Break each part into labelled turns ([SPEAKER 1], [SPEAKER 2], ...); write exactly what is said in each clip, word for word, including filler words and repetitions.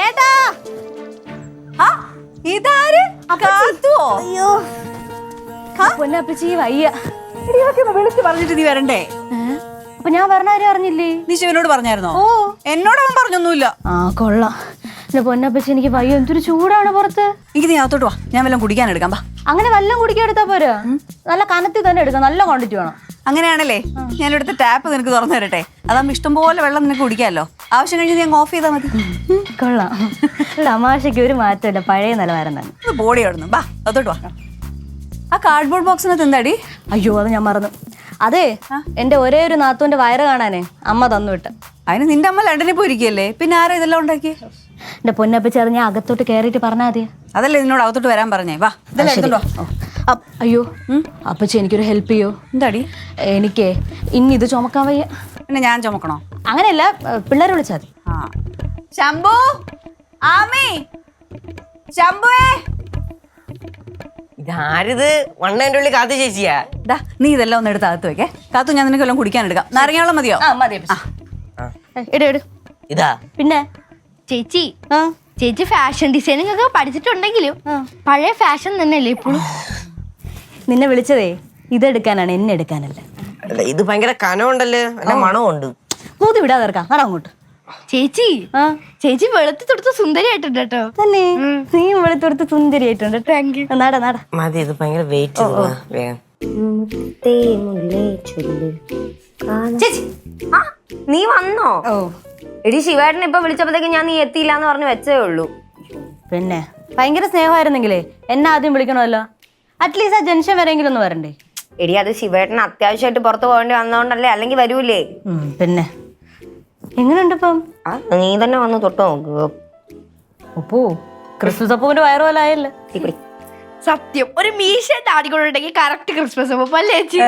[SPEAKER 1] ചേട്ടാ ഇതാര്? അയ്യോ പൊന്നപ്പച്ചി വയ്യ.
[SPEAKER 2] വിളിച്ച് പറഞ്ഞിട്ട് നീ വരണ്ടേ?
[SPEAKER 1] അപ്പൊ ഞാൻ പറഞ്ഞ ആരും അറിഞ്ഞില്ലേ?
[SPEAKER 2] നീ ശിവനോട് പറഞ്ഞായിരുന്നോ?
[SPEAKER 1] ഓ
[SPEAKER 2] എന്നോട് അവൻ പറഞ്ഞൊന്നുമില്ല.
[SPEAKER 1] ആ കൊള്ളാം. എന്റെ പൊന്നപ്പച്ചി എനിക്ക് വയ്യ, എന്തൊരു ചൂടാണ് പുറത്ത്.
[SPEAKER 2] എനിക്ക് നീ അകത്തോട്ട് വാ, ഞാൻ വല്ലതും കുടിക്കാൻ എടുക്കാം.
[SPEAKER 1] അങ്ങനെ വല്ലതും കുടിക്കാൻ എടുത്താ പോരാ, നല്ല കനത്തിൽ തന്നെ എടുക്കാം, നല്ല ക്വാണ്ടിറ്റി വേണം.
[SPEAKER 2] അങ്ങനെയാണല്ലേ ഞാൻ ഇവിടുത്തെ ടാപ്പ് നിനക്ക് തുറന്നു തരട്ടെ. അതാകുമ്പോ ഇഷ്ടംപോലെ വെള്ളം നിനക്ക് കുടിക്കാമല്ലോ. ആവശ്യം കഴിഞ്ഞ് ഞാൻ ഓഫ് ചെയ്താൽ മതി.
[SPEAKER 1] കൊള്ളാം. തമാശയ്ക്ക് ഒരു മാറ്റമില്ല, പഴയ നിലവാരം തന്നെ.
[SPEAKER 2] ബോഡി ആടുന്നു. ബാ അതോട്ട് വാ. ആ കാർഡ്ബോർഡ് ബോക്സിനകത്ത് എന്താടി?
[SPEAKER 1] അയ്യോ അത് ഞാൻ മറന്നു. അതെ എന്റെ ഒരേ ഒരു നാത്തൂന്റെ വയറ് കാണാനേ അമ്മ തന്നു വിട്ട.
[SPEAKER 2] അതിന് നിന്റെ അമ്മ ലണ്ടനിൽ പോയിരിക്കല്ലേ, പിന്നെ ആരാ ഇതെല്ലാം ഉണ്ടാക്കി?
[SPEAKER 1] എന്റെ പൊന്നപ്പച്ചി അത് ഞാൻ അകത്തോട്ട് കയറിയിട്ട് പറഞ്ഞാൽ മതി.
[SPEAKER 2] അതല്ലേ നിന്നോട് അകത്തോട്ട് വരാൻ പറഞ്ഞേ. വാ ഇതെല്ലാം എടുത്തോണ്ടോ.
[SPEAKER 1] അയ്യോ അപ്പച്ചി എനിക്കൊരു ഹെൽപ്പ് ചെയ്യോ?
[SPEAKER 2] എന്താടി?
[SPEAKER 1] എനിക്ക് ഇനി ഇത് ചുമക്കാൻ വയ്യ.
[SPEAKER 2] പിന്നെ ഞാൻ ചുമക്കണോ?
[SPEAKER 1] അങ്ങനെയല്ല, പിള്ളേരെ വിളിച്ചാൽ മതി.
[SPEAKER 2] ആ ശംഭു, ആമി, ശംഭുവേ.
[SPEAKER 3] ഇതാരിത്? വണ്ണേന്റെ ഉള്ളിൽ കാത്തു ചേച്ചിയാ?
[SPEAKER 2] ദാ നീ ഇതെല്ലാം ഒന്ന് എടുത്ത് അകത്ത് വെക്കേ. കാത്തു ഞാൻ നിനക്ക് എല്ലാം കുടിക്കാൻ എടുക്കാം. നാരങ്ങാവെള്ളം മതിയോ?
[SPEAKER 1] ഇട
[SPEAKER 3] ഇതാ
[SPEAKER 1] പിന്നെ
[SPEAKER 4] ചേച്ചി ചേച്ചി ഫാഷൻ ഡിസൈനിങ് ഒക്കെ പഠിച്ചിട്ടുണ്ടെങ്കിലും പഴയ ഫാഷൻ തന്നെയല്ലേ ഇപ്പോഴും?
[SPEAKER 1] നിന്നെ വിളിച്ചതേ ഇതെടുക്കാനാണ്, എന്നെ എടുക്കാനല്ല.
[SPEAKER 3] ഇത് ഭയങ്കര കനമുണ്ടല്ലോ, നല്ല മണമുണ്ട്.
[SPEAKER 1] കൂതി വിടാതെ ഇറക്കാം. നട അങ്ങോട്ട്.
[SPEAKER 4] ചേച്ചി ചേച്ചി വെളുത്തി തൊടുത്ത് സുന്ദരിയായിട്ടുണ്ട് കേട്ടോ.
[SPEAKER 1] തന്നെ നീ വെളുത്തൊടുത്ത് സുന്ദരിയായിട്ടുണ്ട്. നട നട
[SPEAKER 3] മതി, ഇത് ഭയങ്കര വെയിറ്റ്.
[SPEAKER 5] ചേച്ചി നീ വന്നോ?
[SPEAKER 1] ഓ
[SPEAKER 5] എടി ശിവേട്ടൻ ഇപ്പൊ വിളിച്ചപ്പോഴത്തേക്ക് ഞാൻ നീ എത്തിയില്ല എന്ന് പറഞ്ഞ് വെച്ചേ ഉള്ളൂ.
[SPEAKER 1] പിന്നെ ഭയങ്കര സ്നേഹമായിരുന്നെങ്കിലേ എന്നെ ആദ്യം വിളിക്കണമല്ലോ. അറ്റ്ലീസ്റ്റ് ആ ജംഗ്ഷൻ വരെയെങ്കിലും ഒന്ന് വരണ്ടേ?
[SPEAKER 5] എടി അത് ശിവേട്ടൻ അത്യാവശ്യമായിട്ട് പുറത്ത് പോകേണ്ടി വന്നോണ്ടല്ലേ, അല്ലെങ്കിൽ വരൂലേ?
[SPEAKER 1] പിന്നെ എങ്ങനെയുണ്ട് ഇപ്പം?
[SPEAKER 5] നീ തന്നെ വന്ന് തൊട്ട് നോക്കുക.
[SPEAKER 1] അപ്പോ ക്രിസ്മസ് അപ്പൂന്റെ വയറ് പോലെ ആയല്ലേ?
[SPEAKER 4] സത്യം, ഒരു മീശ താടിക്കൊണ്ടുണ്ടെങ്കിൽ കറക്റ്റ് ക്രിസ്മസ് അപ്പൊ അല്ലേ ചേച്ചി?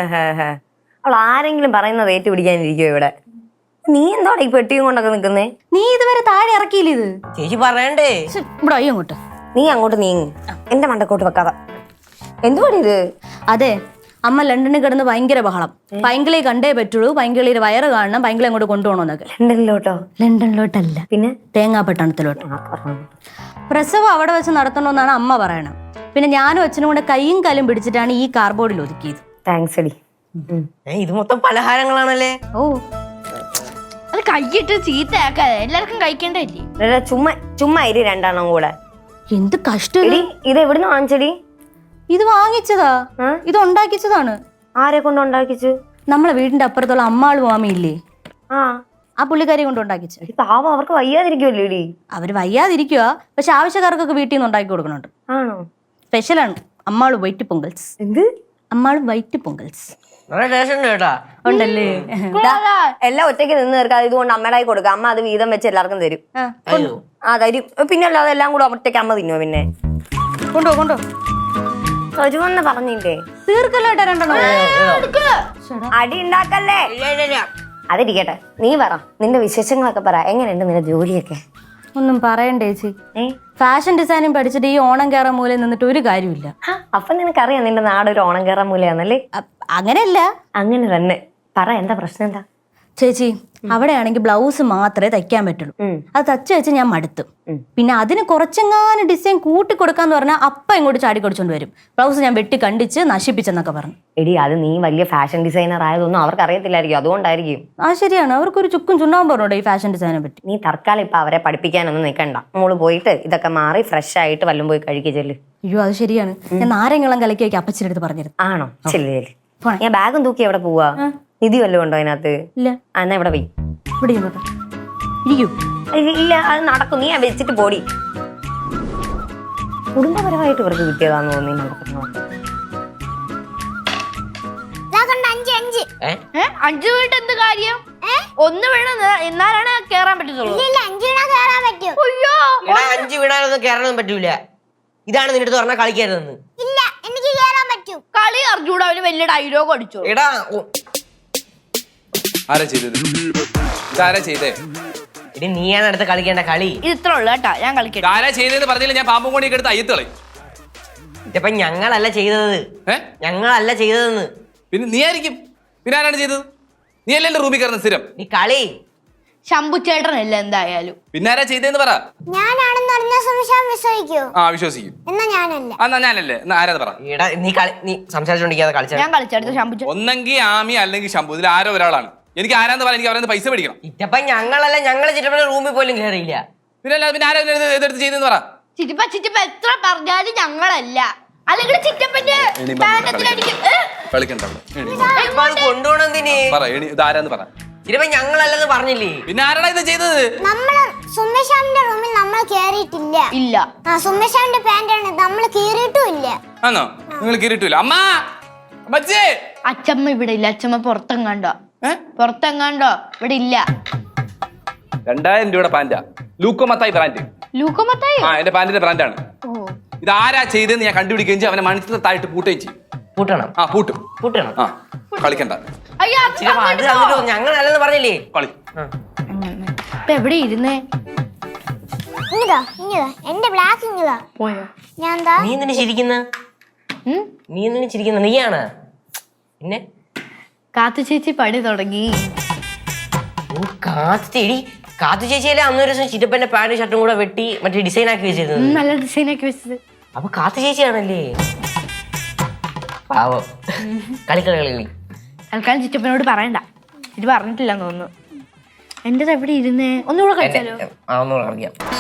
[SPEAKER 5] അവൾ ആരെങ്കിലും പറയുന്നത് ഏറ്റുപിടിക്കാനിരിക്കോ ഇവിടെ? നീ എന്താണ് ഈ പെട്ടിയും കൊണ്ടൊക്കെ നിക്കുന്നേ?
[SPEAKER 1] നീ ഇതുവരെ താഴെ ഇറക്കിയില്ല ഇത്?
[SPEAKER 3] ചേച്ചി പറയണ്ടേ?
[SPEAKER 1] ഇവിടെ അയ്യോ അങ്ങോട്ട്.
[SPEAKER 5] നീ അങ്ങോട്ട് നീങ്ങ്, എന്റെ മണ്ടക്കോട്ട് വെക്കാതെ. എന്തുവാടി ഇത്?
[SPEAKER 1] അതെ അമ്മ ലണ്ടനിൽ കിടന്ന് ഭയങ്കര ബഹളം. പൈങ്കിളി കണ്ടേ പറ്റുള്ളൂ, പൈങ്കിളിയുടെ വയറ് കാണണം, പൈങ്കിളി അങ്ങോട്ട് കൊണ്ടുപോകണമെന്നൊക്കെ.
[SPEAKER 5] ലണ്ടനിലോട്ടോ?
[SPEAKER 1] ലണ്ടനിലോട്ടല്ല,
[SPEAKER 5] പിന്നെ
[SPEAKER 1] തേങ്ങാപ്പട്ടണത്തിലോട്ട്. പ്രസവം അവിടെ വെച്ച് നടത്തണമെന്നാണ് അമ്മ പറയണം. പിന്നെ ഞാനും അച്ഛനും കൂടെ കൈയും കാലും പിടിച്ചിട്ടാണ് ഈ കാർബോർഡിൽ ഒതുക്കിയത്.
[SPEAKER 5] താങ്ക്സ് എടി.
[SPEAKER 3] ഇത് മൊത്തം പലഹാരങ്ങളാണല്ലേ?
[SPEAKER 1] ഓ
[SPEAKER 4] അത് കൈയിട്ട് ചീത്തയാക്കാതെ എല്ലാവർക്കും കഴിക്കേണ്ടല്ലേ?
[SPEAKER 5] ചുമ്മാ ചുമ്മാ ഇരി രണ്ടെണ്ണം കൂടെ.
[SPEAKER 1] എന്ത് കഷ്ടം.
[SPEAKER 5] ഇത് എവിടുന്ന് വാങ്ങിച്ചടി?
[SPEAKER 1] ഇത് വാങ്ങിച്ചതാ, ഇത് ഉണ്ടാക്കിച്ചതാണ്.
[SPEAKER 5] ആരെ കൊണ്ട് ഉണ്ടാക്കിച്ചു?
[SPEAKER 1] നമ്മളെ വീടിന്റെ അപ്പുറത്തുള്ള അമ്മാള് മാമിയില്ലേ,
[SPEAKER 5] ആ
[SPEAKER 1] ആ പുള്ളിക്കാരി കൊണ്ട് ഉണ്ടാക്കിച്ചു.
[SPEAKER 5] പാവം, അവർക്ക് വയ്യാതിരിക്കുമല്ലോ ഇടി.
[SPEAKER 1] അവര് വയ്യാതിരിക്കുക, പക്ഷെ ആവശ്യക്കാർക്കൊക്കെ വീട്ടിൽ നിന്ന് ഉണ്ടാക്കി കൊടുക്കുന്നുണ്ട്.
[SPEAKER 5] ആണോ?
[SPEAKER 1] സ്പെഷ്യലാണ് അമ്മാള് വൈറ്റ് പൊങ്കൽസ്.
[SPEAKER 5] എന്ത്?
[SPEAKER 1] അമ്മാള് വൈറ്റ് പൊങ്കൽസ്
[SPEAKER 3] നല്ല ടേസ്റ്റ് ഉണ്ട് കേട്ടാ.
[SPEAKER 1] ഉണ്ടല്ലേ?
[SPEAKER 5] എല്ലാം ഒറ്റയ്ക്ക് നിന്ന് തീർക്കാതെ ഇതുകൊണ്ട് അമ്മയുടെ കൈ കൊടുക്കുക. അമ്മ അത് വീതം വെച്ച് എല്ലാവർക്കും തരും. ആ തരും. പിന്നെ അല്ലാതെ എല്ലാം കൂടെ ഒറ്റയ്ക്ക് അമ്മ തിന്നോ? പിന്നെ
[SPEAKER 1] കൊണ്ടോ കൊണ്ടോ
[SPEAKER 5] തരുമെന്ന് പറഞ്ഞില്ലേ?
[SPEAKER 1] തീർക്കല്ലോ രണ്ടെണ്ണം.
[SPEAKER 5] അടി ഉണ്ടാക്കല്ലേ. അതിരിക്കട്ടെ, നീ പറ, നിന്റെ വിശേഷങ്ങളൊക്കെ പറ. എങ്ങനെയുണ്ട് നിന്റെ ജോലിയൊക്കെ?
[SPEAKER 1] ഒന്നും പറയണ്ടേ ചേച്ചി, ഫാഷൻ ഡിസൈനിങ് പഠിച്ചിട്ട് ഈ ഓണം കയറാൻ മൂലം നിന്നിട്ട് ഒരു കാര്യമില്ല.
[SPEAKER 5] അപ്പൊ നിനക്കറിയാം നിന്റെ നാട് ഒരു ഓണം കയറാൻ മൂലയാന്നല്ലേ?
[SPEAKER 1] അങ്ങനെയല്ല,
[SPEAKER 5] അങ്ങനെ തന്നെ പറ. എന്താ പ്രശ്നം? എന്താ
[SPEAKER 1] ചേച്ചി? അവിടെയാണെങ്കിൽ ബ്ലൗസ് മാത്രമേ തയ്ക്കാൻ പറ്റുള്ളൂ. അത് തച്ച് വെച്ച് ഞാൻ മടുത്തു. പിന്നെ അതിന് കുറച്ചെങ്ങാനും ഡിസൈൻ കൂട്ടി കൊടുക്കാന്ന് പറഞ്ഞാൽ അപ്പ ഇങ്ങോട്ട് ചാടി കൊടുച്ചോണ്ട് വരും. ബ്ലൗസ് ഞാൻ വെട്ടി കണ്ടിച്ച് നശിപ്പിച്ചെന്നൊക്കെ പറഞ്ഞു.
[SPEAKER 5] എടി അത് നീ വലിയ ഫാഷൻ ഡിസൈനർ ആയതൊന്നും അവർക്ക് അറിയത്തില്ലായിരിക്കും, അതുകൊണ്ടായിരിക്കും.
[SPEAKER 1] ആ ശരിയാണ്, അവർക്കൊരു ചുക്കും ചുണ്ടാവും പറഞ്ഞോട്ടെ ഈ ഫാഷൻ ഡിസൈനെ പറ്റി.
[SPEAKER 5] നീ തൽക്കാലം ഇപ്പൊ അവരെ പഠിപ്പിക്കാനൊന്നും നിൽക്കണ്ട. മോള് പോയിട്ട് ഇതൊക്കെ മാറി ഫ്രഷ് ആയിട്ട് വല്ലതും പോയി കഴിക്കുക ചെല്ല്.
[SPEAKER 1] അയ്യോ അത് ശരിയാണ്, ഞാൻ നാരങ്ങളും കലക്കി വയ്ക്കും അപ്പച്ചിന്റെ അടുത്ത് പറഞ്ഞിരുന്നു.
[SPEAKER 5] ആണോ? ചെല്ല് ചെല്ല്. ഞാൻ ബാഗും തൂക്കി എവിടെ പോവാ? നിധി വല്ലതും ഉണ്ടോ അതിനകത്ത്?
[SPEAKER 1] ഇല്ല.
[SPEAKER 5] എന്നാ ഇവിടെ പോയി
[SPEAKER 1] ഇവിടെ ഇരിക്കൂ.
[SPEAKER 5] ഇല്ല, അത് നടക്കും. നീ വെച്ചിട്ട് പോടി. കുടുംബപരമായിട്ട് ഇവർക്ക് കിട്ടിയതാന്ന് തോന്നി.
[SPEAKER 4] അഞ്ചു വീട്ട് എന്ത് കാര്യം? ഒന്ന് വീണ് എന്നാലാണ് കേറാൻ പറ്റത്തുള്ളൂ.
[SPEAKER 3] അയ്യോ, അഞ്ച് വീണാലൊന്നും കേറാനൊന്നും പറ്റൂല. ഇതാണ് നിന്റെ അടുത്ത് പറഞ്ഞാൽ കളിക്കരുതെന്ന്.
[SPEAKER 4] കളി അറിഞ്ഞൂടെ? അവന് വലിയ ഡയലോഗ് അടിച്ചു.
[SPEAKER 3] എടാ
[SPEAKER 6] ആരാ ചെയ്തത്? ഇതാരാ ചെയ്തേ?
[SPEAKER 3] ഇനി നീയാണ് അടുത്ത് കളിക്കേണ്ട കളി.
[SPEAKER 4] ഇത് ഇത്ര ഉള്ളു കേട്ടാ, ഞാൻ കളിക്കട്ടെ.
[SPEAKER 6] ആരാ ചെയ്തതെന്ന് പറഞ്ഞില്ല, ഞാൻ പാമ്പും കൊണ്ടിയൊക്കെ എടുത്ത് അയ്യത്തളി.
[SPEAKER 3] ഇതിപ്പോ ഞങ്ങളല്ല ചെയ്തത്. ഞങ്ങളല്ല ചെയ്തതെന്ന്.
[SPEAKER 6] പിന്നെ നീ ആയിരിക്കും. പിന്നെ ആരാണ് ചെയ്തത്? നീ അല്ലേ എന്റെ റൂമിൽ കയറുന്ന സ്ഥിരം?
[SPEAKER 3] നീ കളി
[SPEAKER 4] ശംഭു ചേട്ടനല്ല എന്തായാലും.
[SPEAKER 6] പിന്നെ ആരാ ചെയ്തേന്ന് പറ.
[SPEAKER 7] ഞാനാണെന്ന് അറിഞ്ഞ സംശയം വിശ്വസിക്കൂ?
[SPEAKER 6] ആ വിശ്വസിക്കും.
[SPEAKER 7] എന്നാ ഞാനല്ല.
[SPEAKER 6] എന്നാ ഞാനല്ലേ? എന്നാ ആരാ പറ.
[SPEAKER 3] എടാ നീ കളി നീ സംസാരിച്ചോണ്ടിരിക്കാതെ കളിച്ച
[SPEAKER 4] ഞാൻ കളിച്ചെടുത്ത ശംഭു ചേട്ടൻ.
[SPEAKER 6] ഒന്നെങ്കിൽ ആമി അല്ലെങ്കിൽ ശംഭു, ഇതിൽ ആരോ ഒരാളാണ്. എനിക്ക് ആരാന്ന് പറയാൻ എനിക്ക് അവരെ പൈസ മേടിക്കണം.
[SPEAKER 3] ഇറ്റപ്പ ഞങ്ങളല്ല, ഞങ്ങള് ചിറ്റപ്പന്റെ റൂമിൽ പോലും കയറിയില്ല.
[SPEAKER 6] പിന്നെ അല്ല പിന്നെ ആരാ ഇതിനെ എതിർത്ത് ചെയ്തെന്ന് പറ.
[SPEAKER 4] ചിറ്റപ്പ ചിറ്റപ്പ എത്ര പറഞ്ഞാലും ഞങ്ങളല്ല. അല്ലെങ്കിൽ ചിറ്റപ്പന്റെ പാനത്തിലടിക്കും. ഏ?
[SPEAKER 6] കളിക്കണ്ട അവിടെ. എണി.
[SPEAKER 3] ഇപ്പൊ അത് കൊണ്ടുപോണെന്തിന്?
[SPEAKER 6] പറ എണി, ഇത് ആരാന്ന് പറ.
[SPEAKER 3] ചിറ്റപ്പ ഞങ്ങളല്ലെന്ന് പറഞ്ഞില്ലേ?
[SPEAKER 6] പിന്നെ ആരാടാ ഇത് ചെയ്തത്?
[SPEAKER 7] നമ്മള് സുമേഷാമിന്റെ റൂമിൽ നമ്മൾ കേറിയിട്ടില്ല.
[SPEAKER 4] ഇല്ല.
[SPEAKER 7] ആ സുമേഷാമിന്റെ പാന്റാണ് നമ്മൾ കീറിയിട്ടും ഇല്ല.
[SPEAKER 6] ആണോ? നിങ്ങൾ കീറിയിട്ടില്ല. അമ്മ അമ്മച്ചി.
[SPEAKER 4] അച്ചമ്മ ഇവിടെ ഇല്ല. അച്ചമ്മ പുറത്തെങ്ങാണ്ടോ പുറത്തെങ്ങാണ്ടോ ഇവിടെ ഇല്ല.
[SPEAKER 6] രണ്ടായിരം രൂപയുടെ പാന്റാ, ലൂക്കോ മത്തായി ബ്രാൻഡ്.
[SPEAKER 4] ലൂക്കോ മത്തായി?
[SPEAKER 6] ആ എന്റെ പാന്റിന്റെ ബ്രാൻഡാണ്.
[SPEAKER 4] ഓ,
[SPEAKER 6] ഇത് ആരാ ചെയ്തെന്ന് ഞാൻ കണ്ടുപിടിക്കുകയും ചെയ്യും. അവനെ മണിച്ചിട്ടായിട്ട് പൂട്ടുകയും ചെയ്യും.
[SPEAKER 3] പൂട്ടണം
[SPEAKER 6] ആ പൂട്ടും.
[SPEAKER 3] പൂട്ടണം.
[SPEAKER 6] ആ കളിക്കണ്ട.
[SPEAKER 4] അയ്യോ, അത്
[SPEAKER 3] ചിറ്റപ്പ അത് തന്നിട്ടോ ഞങ്ങളല്ലെന്ന് പറഞ്ഞില്ലേ?
[SPEAKER 6] കളി.
[SPEAKER 4] ഇപ്പൊ എവിടെ ഇരുന്നേ?
[SPEAKER 7] ഇങ്ങതാ ഇങ്ങതാ എന്റെ ബ്ലാക്ക് ഇങ്ങതാ.
[SPEAKER 4] പോയോ?
[SPEAKER 7] ഞാൻ എന്താ
[SPEAKER 3] നീ എന്തിനു ചിരിക്കുന്ന?
[SPEAKER 4] ഉം?
[SPEAKER 3] നീ എന്തിനു ചിരിക്കുന്ന? നീയാണ് പിന്നെ.
[SPEAKER 4] കാത്തു ചേച്ചി പണി തുടങ്ങി.
[SPEAKER 3] ഓ കാത്തു ചേടി, കാത്തു ചേച്ചിയല്ലേ അന്നൊരു ദിവസം ചിറ്റപ്പന്റെ പാന്റ് ഷർട്ടും കൂടെ വെട്ടി മറ്റേ ഡിസൈൻ ആക്കി വെച്ചിരുന്നത്.
[SPEAKER 4] ഉം, നല്ല ഡിസൈൻ ആക്കി വെച്ചത്.
[SPEAKER 3] അപ്പൊ കാത്തു ചേച്ചിയാണല്ലേ? പാവോ. കളിക്കളി കളി കളി.
[SPEAKER 4] തൽക്കാലം ചിറ്റപ്പനോട് പറയണ്ട. ഇത് പറഞ്ഞിട്ടില്ലെന്ന് തോന്നുന്നു. എന്റേത് എവിടെ ഇരുന്നേ? ഒന്നുകൂടെ കളിച്ചാലോ?
[SPEAKER 3] ആ ഒന്നുകൂടെ കളിക്കാം.